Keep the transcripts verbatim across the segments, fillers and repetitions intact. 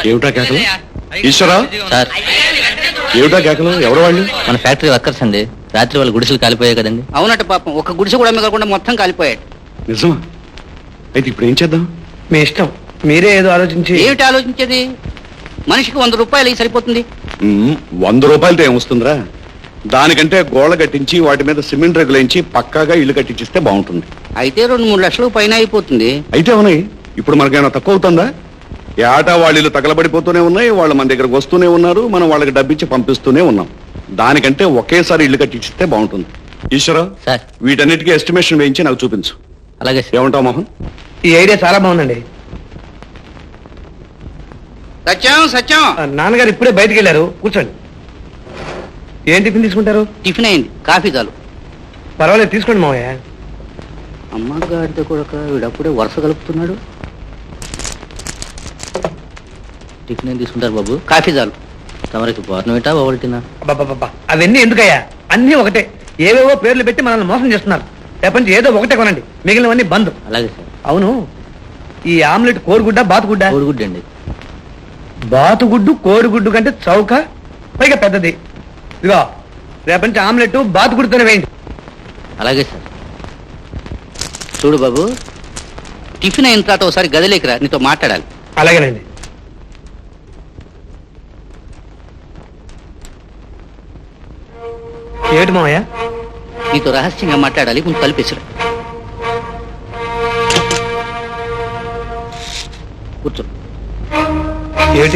ఏమిటా కేకలు? ఈశ్వరా సార్, ఏమిటా కేకలు? ఎవరు వాళ్ళు? మన ఫ్యాక్టరీ వర్కర్స్ అండి. రాత్రి వాళ్ళ గుడిసెలు కాలిపోయాయి కదండి. అవునట పాపం, ఒక గుడిసె కూడా మిగలకుండా మొత్తం కాలిపోయాడు. నిజమా? అయితే ఇప్పుడు ఏం చేద్దాం? మీ ఇష్టం, మీరే ఏదో ఆలోచించి. ఏమిటి ఆలోచించేది? మనిషికి వంద రూపాయలు అయి సరిపోతుంది. ఉమ్, వంద రూపాయలతో ఏమొస్తుందిరా? దానికంటే గోళ్ళ కట్టించి వాటి మీద సిమెంట్ రెగ్గులేంచి పక్కాగా ఇల్లు కట్టించిస్తే బాగుంటుంది. అయితే రెండు మూడు లక్షలు పైన అయిపోతుంది. అయితే అవునాయి, ఇప్పుడు మనకేమైనా తక్కువ అవుతుందా? ఏటా వాళ్ళ ఇల్లు తగలబడిపోతూనే ఉన్నాయి, వాళ్ళు మన దగ్గరకు వస్తూనే ఉన్నారు, మనం వాళ్ళకి డబ్బిచ్చి పంపిస్తూనే ఉన్నాం. దానికంటే ఒకేసారి ఇల్లు కట్టించిస్తే బాగుంటుంది. ఈశ్వరా సార్. వీటన్నిటికీ ఎస్టిమేషన్ వేయించి నాకు చూపించు. అలాగే సార్. ఏమంటావు మోహన్? ఈ ఐడియా చాలా బాగుందండి. సత్యం సత్యం ఆ, నాన్నగారు ఇప్పుడే బయటికి వెళ్ళారు, కూర్చోండి. ఏం టిఫిన్ తీసుకుంటారు? టిఫిన్ అయింది, కాఫీ చాలు. పర్వాలేదు, తీసుకోండి మావయ్య. అమ్మగారితో కూడా వీడప్పుడే వరుస కలుపుతున్నాడు. టిఫిన్ ఏం తీసుకుంటారు బాబు? కాఫీ చాలు. తమరికి బోర్నవిటా ఓవల్టినా? అబ్బబ్బబ్బా, అవన్నీ ఎందుకయ్యా? అన్నీ ఒకటే, ఏవేవో పేర్లు పెట్టి మనల్ని మోసం చేస్తున్నారు. రేపటి నుంచి ఏదో ఒకటే కొనండి, మిగిలినవన్నీ బంద్. అలాగే సార్. అవును, ఈ ఆమ్లెట్ కోడిగుడ్డ బాతుగుడ్డ? కోడిగుడ్డు అండి. బాతుగుడ్డు కోడిగుడ్డు కంటే చౌక, పైగా పెద్దది. ఇదిగో రేపటి నుంచి ఆమ్లెట్ బాతుగుడ్డుతోనే వేయండి. అలాగే సార్. చూడు బాబు, టిఫిన్ అయిన తర్వాత ఒకసారి గదిలోకి రా, నీతో మాట్లాడాలి. అలాగేనండి. ఏమిటి మావయ్య? నీతో రహస్యంగా మాట్లాడాలి, ముందు తలుపేసిరా. కూర్చో. ఏమిటి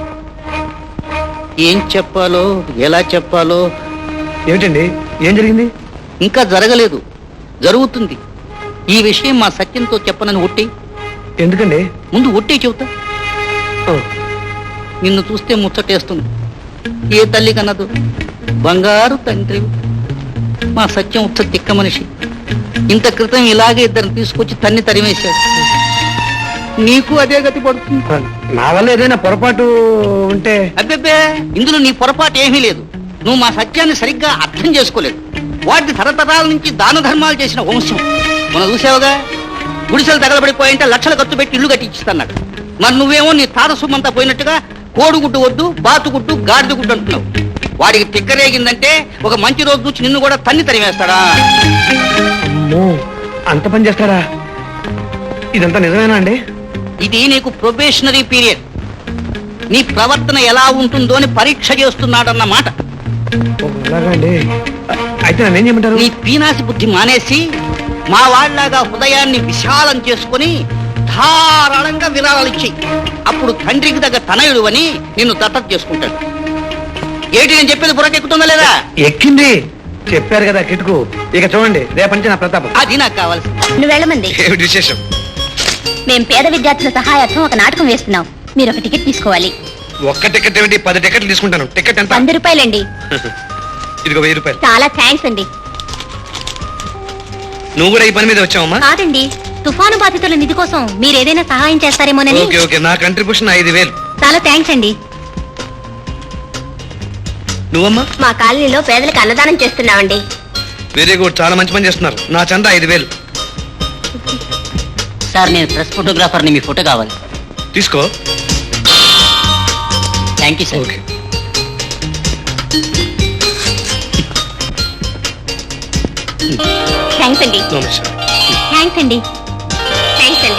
ఏం చెప్పాలో ఎలా చెప్పాలో ఏమిటండి? ఏం జరిగింది? ఇంకా జరగలేదు, జరుగుతుంది. ఈ విషయం మా సత్యంతో చెప్పనని ఒట్టి. ఎందుకండి? ముందు ఒట్టి చెబుతా. ఓ, నిన్ను చూస్తే ముచ్చటేస్తుంది. ఏ తల్లి కన్నదు, బంగారు తండ్రి. మా సత్యం ఉత్త తిక్క మనిషి. ఇంత క్రితం ఇలాగే ఇద్దరిని తీసుకొచ్చి తన్ని తరిమేశాడు. నీకు అదే గతి పడుతుంది. నా వల్ల ఏదైనా పొరపాటు ఉంటే? అబ్బెబ్బే, ఇందులో నీ పొరపాటు ఏమీ లేదు. నువ్వు మా సత్యాన్ని సరిగ్గా అర్థం చేసుకోలేదు. వాటి తరతరాల నుంచి దాన ధర్మాలు చేసిన వంశం. మనం చూసావుగా, గుడిసెలు తగలబడిపోయింటే లక్షలు ఖర్చు పెట్టి ఇల్లు కట్టించిస్తున్నాడు. మరి నువ్వేమో నీ తాత సొమ్మంతా పోయినట్టుగా కోడిగుడ్డు వద్దు, బాతుగుడ్డు, గాడిదగుడ్డు అంటున్నావు. వాడికి తిక్కరేగిందంటే ఒక మంచి రోజు నుంచి నిన్ను కూడా తన్ని తరిమేస్తాడా? అమ్మో, అంత పని చేస్తారా? ఇదంతా నిజమేనా అండి? ఇది నీకు ప్రొబేషనరీ పీరియడ్. నీ ప్రవర్తన ఎలా ఉంటుందో అని పరీక్ష చేస్తున్నాడన్నమాట. ఓ, అలాగా అండి. అయితే నన్ను ఏం చేయమంటారు? నీ పీనాసి బుద్ధి మానేసి మా వాళ్ళలాగా హృదయాన్ని విశాలం చేసుకుని ధారాళంగా విరాళాలు ఇచ్చి, అప్పుడు తండ్రికి దగ్గర తనయుడు అని నిన్ను దత్తత చేసుకుంటాడు. ఏంటి నేను చెప్పేది బుర్రకెక్కుతుందా లేదా? ఎక్కింది, చెప్పారు కదా కిటుకు. ఇక చూడండి, రేపటి నుంచి నా ప్రతాపం. అది నాకు కావాల్సి. నువ్వు వెళ్ళమంది. ఏమిటి విశేషం? మేం పేద విద్యార్థుల సహాయార్థం ఒక నాటకం వేస్తున్నాం. మీరు ఒక టికెట్ తీసుకోవాలి. ఒక్క టికెట్ ఏమిటి? పది టికెట్లు తీసుకుంటాను. టికెట్ ఎంత? వంద రూపాయలండి. ఇదిగో వెయ్యి రూపాయలు. చాలా థ్యాంక్స్ అండి. నువ్వు కూడా ఈ పని మీద వచ్చావమ్మా? కాదండి, తుఫాను బాధితుల నిధి కోసం మీరు ఏదైనా సహాయం చేస్తారేమోనని. ఓకే ఓకే, నా కంట్రిబ్యూషన్ ఐదు వేలు. చాలా థ్యాంక్స్ అండి. నువ్వమ్మా? మా కాలనీలో పేదలకు అన్నదానం చేస్తున్నామండి. వెరీ గుడ్, చాలా మంచి పని చేస్తున్నారు. నా చందా ఐదు వేలు. సార్, నేను ప్రెస్ ఫోటోగ్రాఫర్ని, మీ ఫోటో కావాలి. తీసుకో. Thank you sir. Okay. Thanks అండి. నమస్కారం. థ్యాంక్స్ అండి. థ్యాంక్స్ అండి.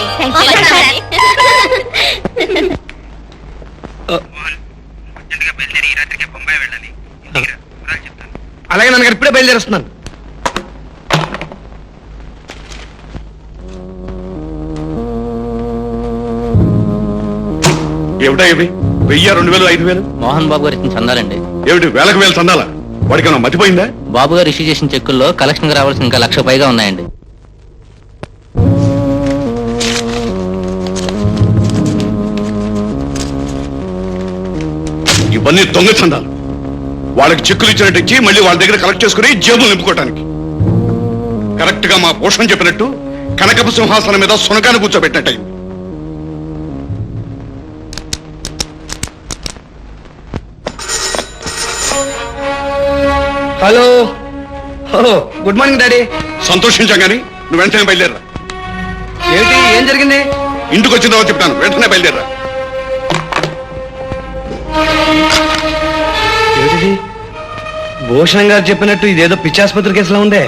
అలాగే నాన్నగారు, ఇప్పుడే బయలుదేరుస్తున్నాను. ఏమిటా ఇవి? వెయ్యి, రెండు వేలు, ఐదు వేలు? మోహన్ బాబు గారు ఇచ్చిన చందాలండి. ఏమిటి వేలకు వేలు చందాలా? వాడికి ఏమైనా మతిపోయిందా? బాబు గారు ఇష్యూ చేసిన చెక్కుల్లో కలెక్షన్ రావాల్సిన ఇంకా లక్ష పైగా ఉన్నాయండి. ఇవన్నీ దొంగ చందాలు. వాళ్ళకి చెక్కులు ఇచ్చినట్టు ఇచ్చి మళ్ళీ వాళ్ళ దగ్గర కలెక్ట్ చేసుకుని జేబులు నింపుకోవటానికి. కరెక్ట్ గా మా పోషణ చెప్పినట్టు కనకపు సింహాసనం మీద సునకాన్ని కూర్చోబెట్టినట్టయింది. Hello, good morning daddy. సంతోషించాం కానీ నువ్వు వెంటనే బయలుదేరా. ఏమిటి? ఏం జరిగింది? ఇంటికి వచ్చిన తర్వాత చెప్తాను, వెంటనే బయలుదేరా. భూషణ్ గారు చెప్పినట్టు ఇదేదో పిచ్చాసుపత్రి కేసులో ఉందే.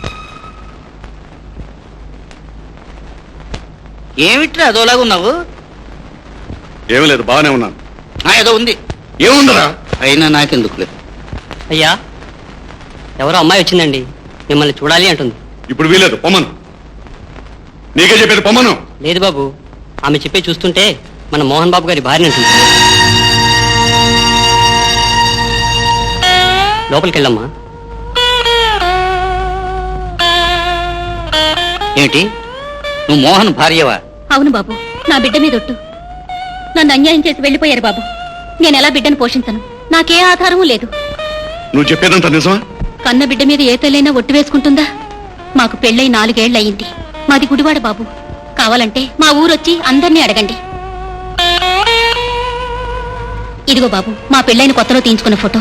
ఏమిట్రా అదోలాగా ఉన్నావు? ఏమీ లేదు, బాగానే ఉన్నాను. ఆ, ఏదో ఉంది. ఏముందరా? అయినా నాకెందుకులే. అయ్యా, ఎవరో అమ్మాయి వచ్చిందండి, మిమ్మల్ని చూడాలి అంటుంది. ఇప్పుడు వీలేదు, పొమ్మను. నీకే చెప్పేది, పొమ్మను. లేదు బాబు, ఆమె చెప్పే చూస్తుంటే మన మోహన్ బాబు గారి భార్య అంటుంది. లోపలికి వెళ్ళమ్మా. ఏమిటి, నువ్వు మోహన్ భార్యవా? అవును బాబు, నా బిడ్డ మీద ఒట్టు. నన్ను అన్యాయం చేసి వెళ్ళిపోయారు బాబు. నేను ఎలా బిడ్డను పోషించను? నాకే ఆధారమూ లేదు. నువ్వు చెప్పేదంత నిజమా? కన్న బిడ్డ మీద ఏ తల్లైనా ఒట్టు వేసుకుంటుందా? మాకు పెళ్ళై నాలుగేళ్లు అయ్యింది. మాది గుడివాడ బాబు. కావాలంటే మా ఊరొచ్చి అందరినీ అడగండి. ఇదిగో బాబు, మా పెళ్ళైన కొత్తలో తీయించుకున్న ఫోటో.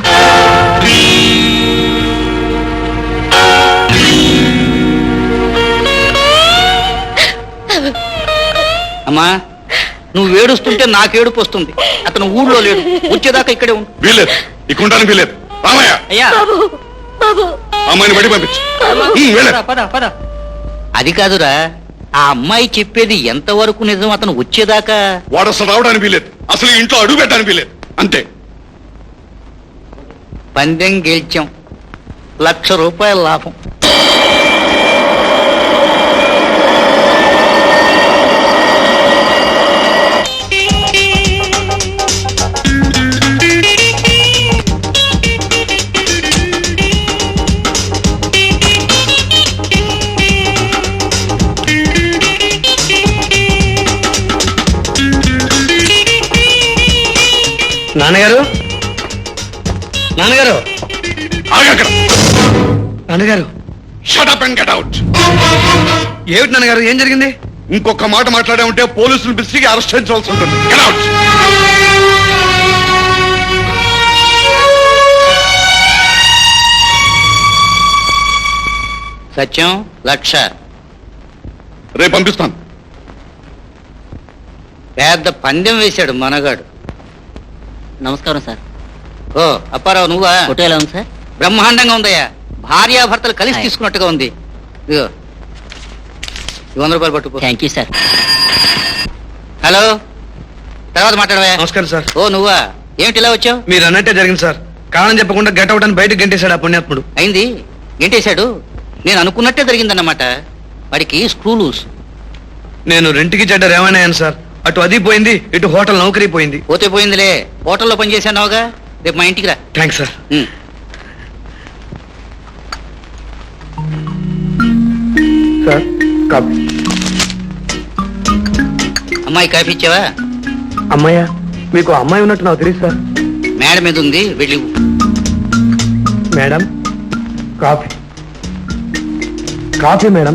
అమ్మా, నువ్వు ఏడుస్తుంటే నాకేడుపు వస్తుంది. అతను ఊళ్ళో లేడు, వచ్చేదాకా ఇక్కడే ఉండు. వీలేదు, ఇక్కడ ఉండడానికి వీలేదు. రామయ్య, అయ్యా, అమ్మాయిని బయట పంపించు. ఉమ్, వీలేదు. పద, పద పద. అది కాదురా, ఆ అమ్మాయి చెప్పేది ఎంతవరకు నిజం? అతను వచ్చేదాకా వాడు అసలు రావడానికి వీలేదు, అసలు ఇంట్లో అడుగు పెట్టడానికి వీలేదు. అంతే. పందెం గెలిచాం, లక్ష రూపాయల లాభం. నాన్నగారు, నాన్నగారు, ఆగక్కడ. నాన్నగారు. Shut up and get out. ఏమిటి నాన్నగారు, ఏం జరిగింది? ఇంకొక మాట మాట్లాడే ఉంటే పోలీసులు పిలిచి అరెస్ట్ చేయించవలసి ఉంటుంది. Get out. సత్యం, లక్ష. రేపు పంపిస్తాను. పెద్ద పందెం వేశాడు మనగాడు. నమస్కారం సార్. ఓ అప్పారావు, నువ్వా? ఫోటో ఎలా ఉంది సార్? బ్రహ్మాండంగా ఉందయ్యా. భార్యాభర్తలు కలిసి హాయ్. తీసుకున్నట్టుగా ఉంది. ఇదిగో ఈ వంద రూపాయలు పట్టుకో. Thank you sir. హలో, తర్వాత మాట్లాడవా? నమస్కారం సార్. ఓ నువ్వా? ఏమిటి ఇలా వచ్చావు? మీరు అన్నట్టే జరిగింది సార్. కారణం చెప్పకుండా గెట్ అవుట్ అని బయటకు గంటేశాడు ఆ పుణ్యాత్ముడు. అయింది, ఏంటేశాడు? నేను అనుకున్నట్టే జరిగిందన్నమాట. వాడికి స్క్రూ లూస్. నేను రెంట్కి చెడ్డ రేవణయ్యాను సార్. అటు అది పోయింది, ఇటు హోటల్ నౌకరీ పోయింది. పోతే పోయిందిలే, హోటల్లో పనిచేసానావుగా. రేపు మా ఇంటికి రా. Thanks sir. Um. Sir, coffee. అమ్మాయి కాఫీ ఇచ్చావా? అమ్మాయ్యా, మీకు అమ్మాయి ఉన్నట్టు నాకు తెలియదు సార్. మేడ మీద ఉంది, వెళ్ళి ఇవ్వు. Madam, coffee. Coffee madam.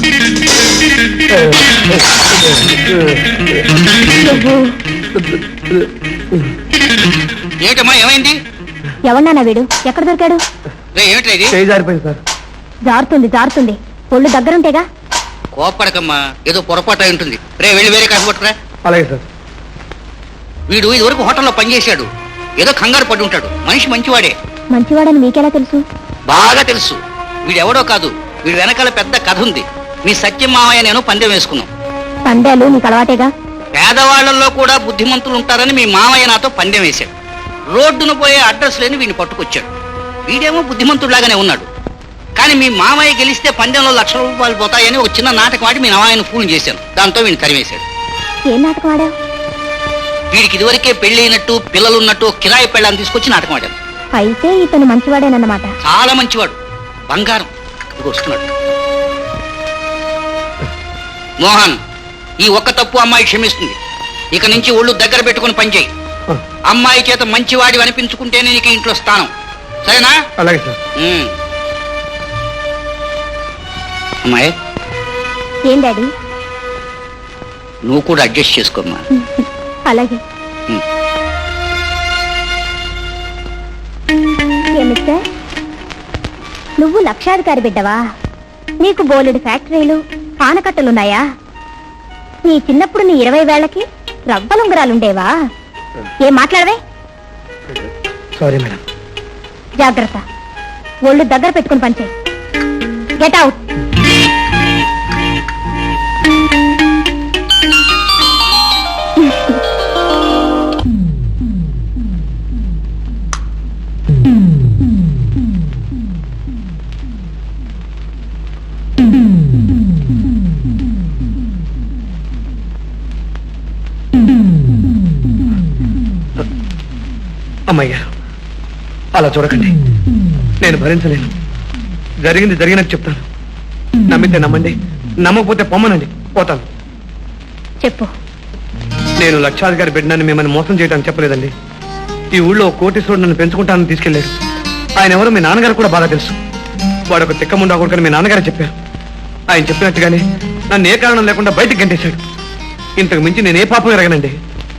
ఏమిటమ్మా, ఏమైంది? ఎవరన్నా వీడు? ఎక్కడ దొరికాడు? రే ఏమిట్రా ఇది? చేయి జారిపోయింది సార్. జారుతుంది జారుతుంది. ఒళ్ళు దగ్గరుంటేగా. కోప్పడకమ్మా, ఏదో పొరపాటు అయి ఉంటుంది. రే వెళ్ళి వేరే కాఫీ పట్టుకురా. అలాగే సార్. వీడు ఇదివరకు హోటల్లో పనిచేశాడు. ఏదో కంగారు పడి ఉంటాడు. మనిషి మంచివాడే. మంచివాడని మీకెలా తెలుసు? బాగా తెలుసు. వీడెవడో కాదు, వీడి వెనకాల పెద్ద కథ ఉంది. మీ సత్యం మావయ్య నేను పందెం వేసుకున్నాం. పందేలు నీకు అలవాటేగా. పేదవాళ్లలో కూడా బుద్ధిమంతులు ఉంటారని మీ మావయ్య నాతో పందెం వేశాడు. రోడ్డును పోయే అడ్రస్ లేని వీడిని పట్టుకొచ్చాడు. వీడేమో బుద్ధిమంతుడిలాగానే ఉన్నాడు. కానీ మీ మామయ్య గెలిస్తే పందెంలో లక్ష రూపాయలు పోతాయని ఒక చిన్న నాటకం ఆడి మీ మామయ్యను ఫోన్ చేశాను. దాంతో వీడిని తరివేశాడు. ఏం నాటకం ఆడావు? వీడికి ఇదివరకే పెళ్ళైనట్టు పిల్లలున్నట్టు కిరాయి పెళ్ళాన్ని తీసుకొచ్చి నాటకం ఆడాను. అయితే ఇతను మంచివాడేనన్నమాట. చాలా మంచివాడు, బంగారం. ఇదిగో వస్తున్నాడు. మోహన్, ఈ ఒక్క తప్పు అమ్మాయి క్షమిస్తుంది. ఇక నుంచి ఒళ్ళు దగ్గర పెట్టుకుని పనిచేయి. అమ్మాయి చేత మంచివాడి అనిపించుకుంటేనే నీకు ఇంట్లో స్థానం. సరేనా? అలాగే సార్. ఉమ్. అమ్మాయి, ఏం డాడీ? నువ్వు కూడా అడ్జస్ట్ చేసుకోమ్మా. అలాగే. ఉమ్. ఏమిస్తే నువ్వు లక్షాధికారి బిడ్డవా? నీకు బోలెడు ఫ్యాక్టరీలు, పానకట్టలున్నాయా? నీ చిన్నప్పుడు నీ ఇరవై వేళ్లకి రవ్వలుంగరాలుండేవా? ఏం మాట్లాడవే? Sorry madam. జాగ్రత్త. ఒళ్ళు దగ్గర పెట్టుకుని పంచే. Get out. అమ్మయ్యా, అలా చూడకండి. నేను భరించలేను. జరిగింది జరిగినట్టు చెప్తాను. నమ్మితే నమ్మండి, నమ్మకపోతే పొమ్మనండి, పోతాను. చెప్పు. నేను లక్షాధికారి బిడ్డనని మిమ్మల్ని మోసం చేయడానికి చెప్పలేదండి. ఈ ఊళ్ళో ఓ కోటీశ్వరుడు నన్ను పెంచుకుంటానని తీసుకెళ్లాడు. ఆయన ఎవరో మీ నాన్నగారు కూడా బాగా తెలుసు. వాడు ఒక తిక్కముండా కొడుకని మీ నాన్నగారు చెప్పారు. ఆయన చెప్పినట్టుగానే నన్ను ఏ కారణం లేకుండా బయటికి గంటేశాడు. ఇంతకు మించి నేను ఏ పాపం ఎరగనండి.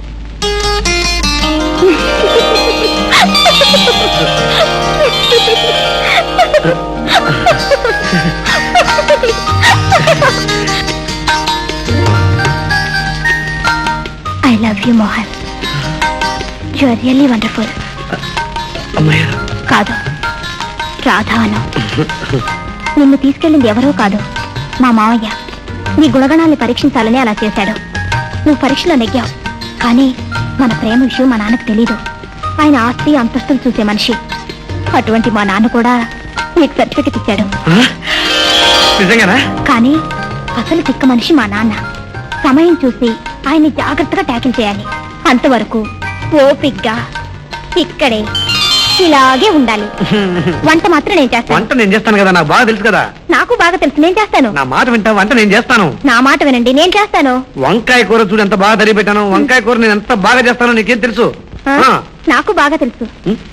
I love you Mohan. You are really wonderful. అమ్మయ్య, కాదు, రాధా అను. నిన్ను తీసుకెళ్ళింది ఎవరో కాదు, మా మావయ్య. నీ గుణగణాన్ని పరీక్షించాలని అలా చేశాడు. నువ్వు పరీక్షలో నెగ్గావు. కానీ మన ప్రేమ విషయం మా నాన్నకు తెలీదు. ఆయన ఆస్తి అంతస్తులు చూసే మనిషి. అటువంటి మా నాన్న కూడా నీకు సర్టిఫికెట్ ఇచ్చాడు. నిజంగానా? కానీ అసలు తిక్క మనిషి మా నాన్న. సమయం చూసి ఆయన్ని జాగ్రత్తగా ట్యాకిల్ చేయాలి. అంతవరకు ఓపిగ్గా ఇక్కడే ఇలాగే ఉండాలి. వంట మాత్రం నేను చేస్తాను. వంట నేను చేస్తాను కదా, నాకు బాగా తెలుసు కదా. నాకు బాగా తెలుసు, నేను చేస్తాను. నా మాట వింటా, వంట నేను చేస్తాను. నా మాట వినండి, నేను చేస్తాను. వంకాయ కూర చూడు ఎంత బాగా తరిగి పెట్టాను. వంకాయ కూర నేను ఎంత బాగా చేస్తానో నీకేం తెలుసు? ఆ, ఆ. నాకు బాగా తెలుసు.